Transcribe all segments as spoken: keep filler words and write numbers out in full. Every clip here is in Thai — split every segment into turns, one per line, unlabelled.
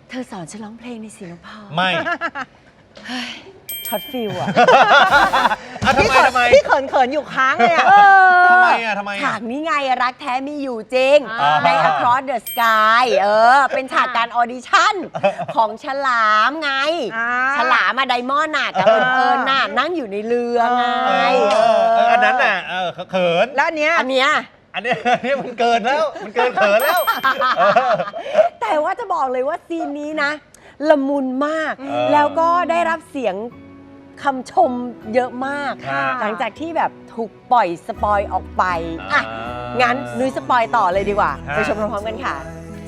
เธอสอนฉันร้องเพลงในศิลปะ
ไม่
ช็อตฟิลอะ
ทำไมทำไม
พี่เขินเขินอยู่ค้างเลยอะ
ทำไมอะทำไม
ฉากนี้ไงรักแท้มีอยู่จริงใน Across the Sky เออเป็นฉากการออดิชั่นของฉลามไงฉลามมาไดมอนด์น่ะกับเอิญเอิญน่ะนั่งอยู่ในเรือไง
อันนั้นน่ะเขิน
แล้วอันเนี้ย
อันเนี้ย
อันนี้นี่มันเกินแล้วมันเกินเขินแล้ว
แต่ว่าจะบอกเลยว่าซีนนี้นะละมุนมากแล้วก็ได้รับเสียงคำชมเยอะมากหลังจากที่แบบถูกปล่อยสปอยออกไปอ่ะงั้นนุ้ยสปอยต่อเลยดีกว่าไปชมพร้อมๆกันค่ะ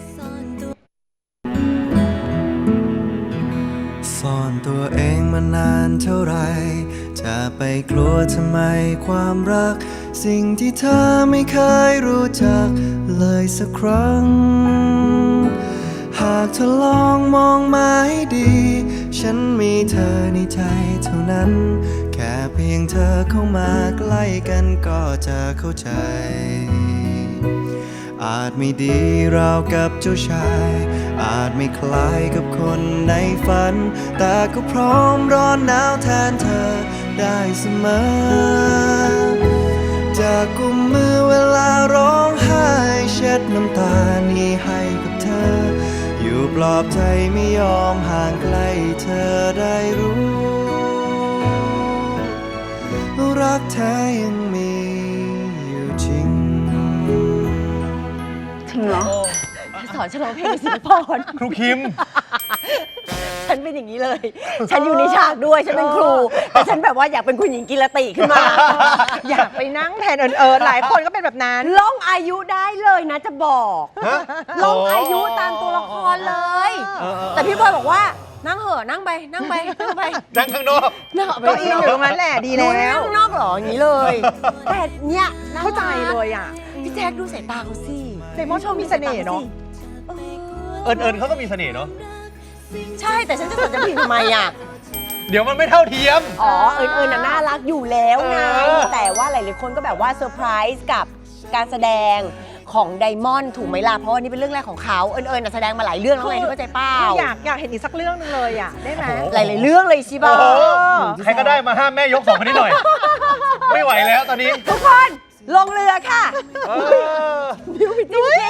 ซ่อนตัวเองมานานเท่าไรจะไปกลัวทำไมความรักสิ่งที่เธอไม่เคยรู้จักเลยสักครั้งหากเธอลองมองมาให้ดีฉันมีเธอในใจเท่านั้นแค่เพียงเธอเข้ามาใกล้กันก็จะเข้าใจอาจไม่ดีราวกับเจ้าชายอาจไม่คล้ายกับคนในฝันแต่ก็พร้อมร้อนหนาวแทนเธอได้เสมอจะกุมมือเวลาร้องไห้เช็ดน้ำตานี้ให้กับเธออยู่ปลอบใจไม่ยอมห่างไกลเธอได้รู้รักแท้ยังมีอยู่จริง
ถึงเหรอสอนฉันร้องเพลงศิลปะ
ครูคิม
ฉันเป็นอย่างนี้เลย ฉันอยู่ในฉากด้วยฉันเป็นครูแต่ฉันแบบว่าอยากเป็นคุณหญิงกิรติขึ้นมา
อยากไปนั่งแทนเอิญเอิญหลายคนก็เป็นแบบนั้น
ล่องอายุได้เลยนะจะบอกล่องอายุตามตัวละครเลยแต่พี่บอยบอกว่านั่งเหอะนั่งไปนั่งไปนั่งไป
นั่งข้างนอก
ก็อินอยู่ตรงนั้นแหละดีแล้ว
นั่งข้างนอกหรออย่างนี้เลยแต่เนี่ย
เข้าใจเลยอ่ะ
พี่แจ๊คดูสายตาเขาสิ
เดมอนชอบมีเสน่ห์เนาะ
เอิญเอิญเขาก็มีเสน่ห์เนาะ
ใช่แต่ฉันจะสนใจผิดทำไมอ่ะ
เดี๋ยวมันไม่เท่าเทียม
อ๋อเอิญเอิญน่ารักอยู่แล้วไงแต่ว่าหลายๆคนก็แบบว่าเซอร์ไพรส์กับการแสดงของไดมอนด์ถูกไหมล่ะเพราะว่านี่เป็นเรื่องแรกของเขาเอิญเอิญแสดงมาหลายเรื่องแล้วไงเข้าใจเปล่า
อยากอยากเห็นอีกสักเรื่องนึงเลยอ่ะได้ไหม
หลายๆเรื่องเลยชิบะ
ใครก็ได้มาห้ามแม่ยกสองคนนี้หน่อยไม่ไหวแล้วตอนนี้
ทุกคนลงเรือค่ะดิวพี่จิ๊ก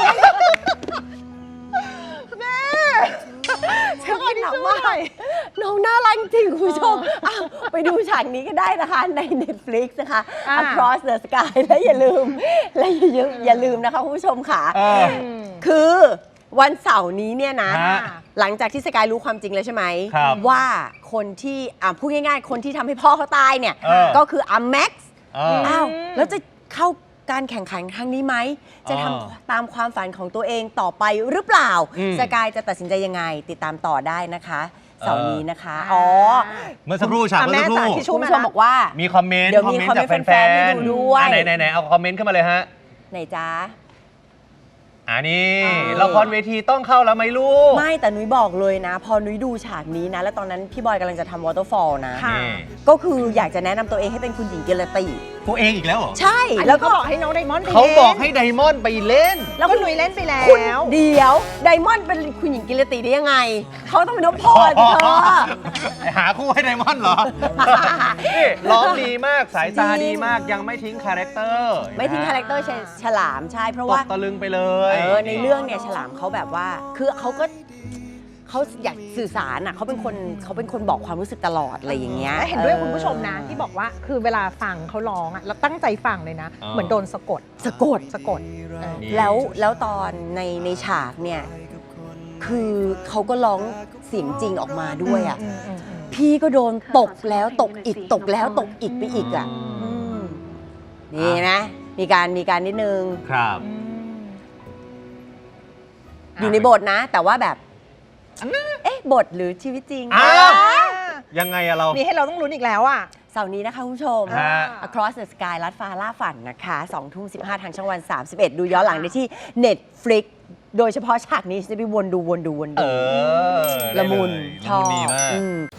แม่ฉันกินหนักมากน้องน่ารักจริงคุณผู้ชมไปดูฉากนี้ก็ได้นะคะใน Netflix นะคะ Across the Sky และอย่าลืมและอย่าอย่าลืมนะคะคุณผู้ชมค่ะคือวันเสาร์นี้เนี่ยนะหลังจากที่สกายรู้ความจริงแล้วใช่ไหมว่าคนที่พูดง่ายๆคนที่ทำให้พ่อเขาตายเนี่ยก็คืออัมแม็กซ์อ้าวแล้วจะเข้าการแข่งขันครั้งนี้ไหมจะทำตามความฝันของตัวเองต่อไปหรือเปล่าสกายจะตัดสินใจยังไงติดตามต่อได้นะคะเสาร์นี้นะคะอ๋อ
เมื่อสักครู่ฉากเมื่อสักครู่
คุณผู้ชมบอกว่า
มีคอมเมนต์
เดี๋ยวมีคอมเมนต์แฟนๆให้ดูด้วย
ไหนไหนไหนเอาคอมเมนต์ขึ้นมาเลยฮะ
ไหนจ้า
อันนี้ละครเวทีต้องเข้าแล้วไหมลูก
ไม่แต่นุ้ยบอกเลยนะพอนุ้ยดูฉากนี้นะแล้วตอนนั้นพี่บอยกำลังจะทำวอเตอร์ฟอลนะก็คืออยากจะแนะนำตัวเองให้เป็นคุณหญิงกิรติ
ตัวเองอีกแล้วเหรอ
ใช่
แล้วก็บอกให้น้องไดมอนด์ไปเล่น
เขาบอกให้ไดมอนด์ไปเล่น
แล้วก็นุ้ยเล่นไปแล้ว
เดี๋ยวไดมอนด์เป็นคุณหญิงกิรติได้ยังไงเขาต้องเป็นนพพรเธอ
หาคู่ให้ไดมอนด์เหรอนี่ร้องดีมากสายตาดีมากยังไม่ทิ้งคาแรคเตอร์
ไม่ทิ้งคาแรคเตอร์ฉลามใช่เพราะว่า
ตะลึงไปเลย
เออในเรื่องเนี่ยฉลามเขาแบบว่าคือเขาก็เขาอยากสื่อสารอ่ะเขาเป็นคนเขาเป็นคนบอกความรู้สึกตลอดอะไรอย่างเงี้ย
เห็นด้วยคุณผู้ชมนะที่บอกว่าคือเวลาฟังเขาร้องอ่ะเราตั้งใจฟังเลยนะเหมือนโดนสะกด
สะกด
สะกด
แล้วแล้วตอนในในฉากเนี่ยคือเขาก็ร้องเสียงจริงออกมาด้วยอ่ะพี่ก็โดนตกแล้วตกอีกตกแล้วตกอีกไปอีกอ่ะนี่นะมีการมีการนิดนึง
ครับ
อยู่ในบทนะแต่ว่าแบบเอ๊ะบทหรือชีวิตจริง
ยังไงอะเรา
มีให้เราต้องลุ้นอีกแล้วอะ
เสาร์นี้นะคะคุณผู้ชม Across the Sky ลัดฟ้าล่าฝันนะคะสองทุ่มสิบห้าทางช่องวันสามสิบเอ็ดดูย้อนหลังได้ที่ Netflix โดยเฉพาะฉากนี้จะไปวนดูวนดูวนดูละมุนชอบ